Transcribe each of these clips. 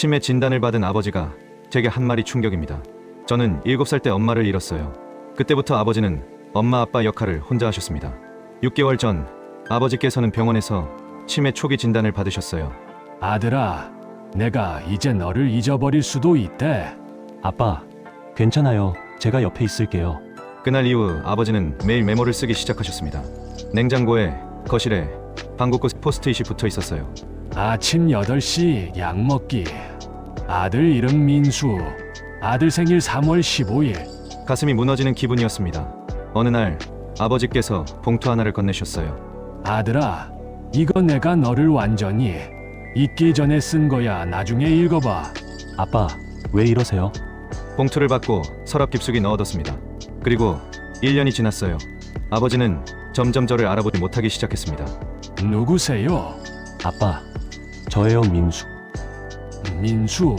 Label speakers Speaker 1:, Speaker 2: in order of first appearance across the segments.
Speaker 1: 치매 진단을 받은 아버지가 제게 한 말이 충격입니다. 저는 7살 때 엄마를 잃었어요. 그때부터 아버지는 엄마 아빠 역할을 혼자 하셨습니다. 6개월 전 아버지께서는 병원에서 치매 초기 진단을 받으셨어요.
Speaker 2: 아들아, 내가 이제 너를 잊어버릴 수도 있대.
Speaker 3: 아빠, 괜찮아요. 제가 옆에 있을게요.
Speaker 1: 그날 이후 아버지는 매일 메모를 쓰기 시작하셨습니다. 냉장고에, 거실에, 방구 끝 포스트잇이 붙어 있었어요.
Speaker 2: 아침 8시 약 먹기. 아들 이름 민수. 아들 생일 3월 15일.
Speaker 1: 가슴이 무너지는 기분이었습니다. 어느 날 아버지께서 봉투 하나를 건네셨어요.
Speaker 2: 아들아, 이거 내가 너를 완전히 잊기 전에 쓴 거야. 나중에 읽어봐.
Speaker 3: 아빠, 왜 이러세요?
Speaker 1: 봉투를 받고 서랍 깊숙이 넣어뒀습니다. 그리고 1년이 지났어요. 아버지는 점점 저를 알아보지 못하기 시작했습니다.
Speaker 2: 누구세요?
Speaker 3: 아빠, 저예요, 민수.
Speaker 2: 민수.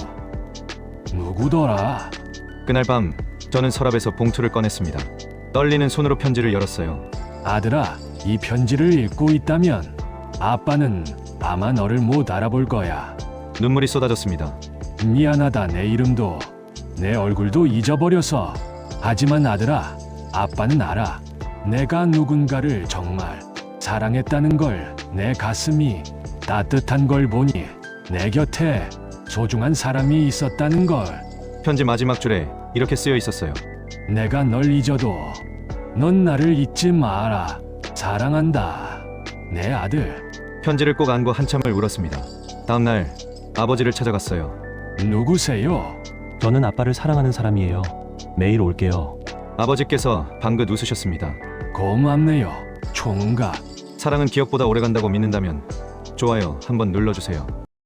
Speaker 2: 누구더라?
Speaker 1: 그날 밤 저는 서랍에서 봉투를 꺼냈습니다. 떨리는 손으로 편지를 열었어요.
Speaker 2: 아들아, 이 편지를 읽고 있다면 아빠는 아마 너를 못 알아볼 거야.
Speaker 1: 눈물이 쏟아졌습니다.
Speaker 2: 미안하다. 내 이름도 내 얼굴도 잊어버려서. 하지만 아들아, 아빠는 알아. 내가 누군가를 정말 사랑했다는 걸. 내 가슴이 따뜻한 걸 보니 내 곁에 소중한 사람이 있었다는 걸.
Speaker 1: 편지 마지막 줄에 이렇게 쓰여 있었어요.
Speaker 2: 내가 널 잊어도 넌 나를 잊지 마라. 사랑한다. 내 아들.
Speaker 1: 편지를 꼭 안고 한참을 울었습니다. 다음날 아버지를 찾아갔어요.
Speaker 2: 누구세요?
Speaker 3: 저는 아빠를 사랑하는 사람이에요. 매일 올게요.
Speaker 1: 아버지께서 방긋 웃으셨습니다.
Speaker 2: 고맙네요, 총각.
Speaker 1: 사랑은 기억보다 오래간다고 믿는다면 좋아요 한번 눌러주세요.